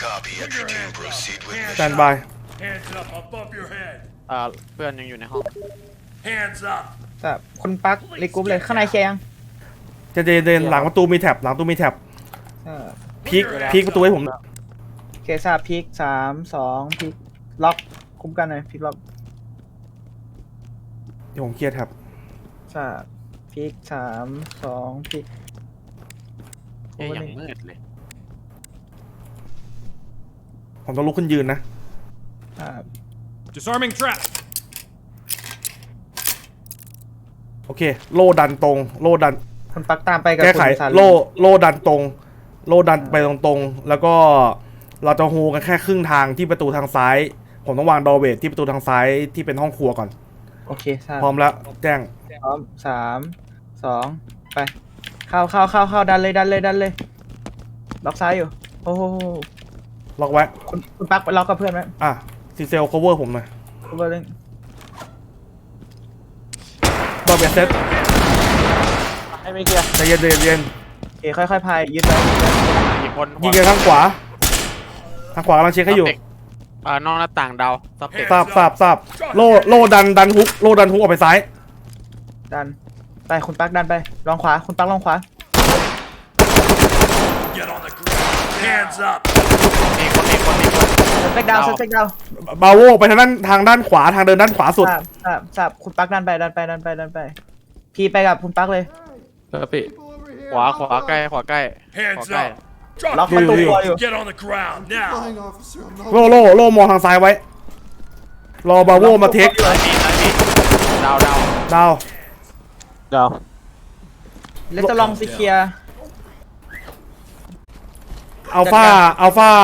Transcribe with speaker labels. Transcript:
Speaker 1: แตนบาย
Speaker 2: Hands up above your head.
Speaker 3: เพื่อนยังอยู่ในห้อง
Speaker 2: Hands up.
Speaker 4: แบบคุณปักรีกรุ๊ปเลยข้างในเคลียร์ยัง
Speaker 1: จะเดินหลังประตูมีแท็บหลังประตูมีแท็บ
Speaker 4: เออ
Speaker 1: พีคประตูให้ผม
Speaker 4: เคทราบพิก3 2พิกล็อกคุ้มกันหน่อยพิกล็อก
Speaker 1: เดี๋ยวผมเคลียร์แท็บ
Speaker 4: ทราบพิก3 2พิก
Speaker 3: อย่างมืดเลย
Speaker 1: ผมต้องลุกขึ้นยืนนะ
Speaker 2: Disarming trap.
Speaker 1: โอเคโลดันตรงโลดัน
Speaker 4: คุณปักตามไปกับ
Speaker 1: แก้ไข
Speaker 4: คุณสาลี
Speaker 1: โลดันตรงโลดันไปตรงๆแล้วก็เราจะโฮกันแค่ครึ่งทางที่ประตูทางซ้าย ผมต้องวางดอเวทที่ประตูทางซ้ายที่เป็นห้องครัวก่อน
Speaker 4: โอเคทราบ
Speaker 1: พร้อมแล้วแจ้ง
Speaker 4: พร้อม3 2ไปเข้าดันเลยล็อกซ้ายอยู่โอ้โห
Speaker 1: ล็อกไว้
Speaker 4: คุณปักไปล็อกกับเพื่อนไหม
Speaker 1: อ่ะซีเซล cover ผมหน่อย
Speaker 4: คุณเบอร์ลิง
Speaker 1: ดอเวทเซต
Speaker 3: ให้ไม่เคลียร์
Speaker 1: ใจเย็นโ
Speaker 4: โอเคค่อยๆพายยึดไว้
Speaker 3: กี่คน
Speaker 1: ยิงกันข้างขวาทางขวากำลังเช็คให้อยู่
Speaker 3: นอกหน้าต่างเดาซับเด็ก
Speaker 1: ทราบโลดันฮุกออกไปซ้าย
Speaker 4: ดันไปคุณปักดันไปลองขวาคุณปักลองขวา
Speaker 2: Get on the ground. Hands up.
Speaker 3: มีคน
Speaker 4: สเต็กดาว
Speaker 1: บาโวไปทางด้านขวาทางเดินด้านขวาสุด
Speaker 4: ทราบคุณปักดันไปพีไปกับคุณปักเลย
Speaker 3: พี่ขวาใกล้
Speaker 2: Hands
Speaker 3: ใกล้
Speaker 2: up. Drop
Speaker 4: ล็อก
Speaker 2: your
Speaker 4: ประตู
Speaker 1: อยู่
Speaker 4: ครัวอยู่
Speaker 2: Get on the ground now.
Speaker 5: Flying officer, I'm not
Speaker 1: โลมองทางซ้ายไว้ รอบาโวมาเทค
Speaker 3: ซ้ายมีดาว
Speaker 1: ดาว
Speaker 4: แล้วจะลองซีเคีย
Speaker 1: อัลฟา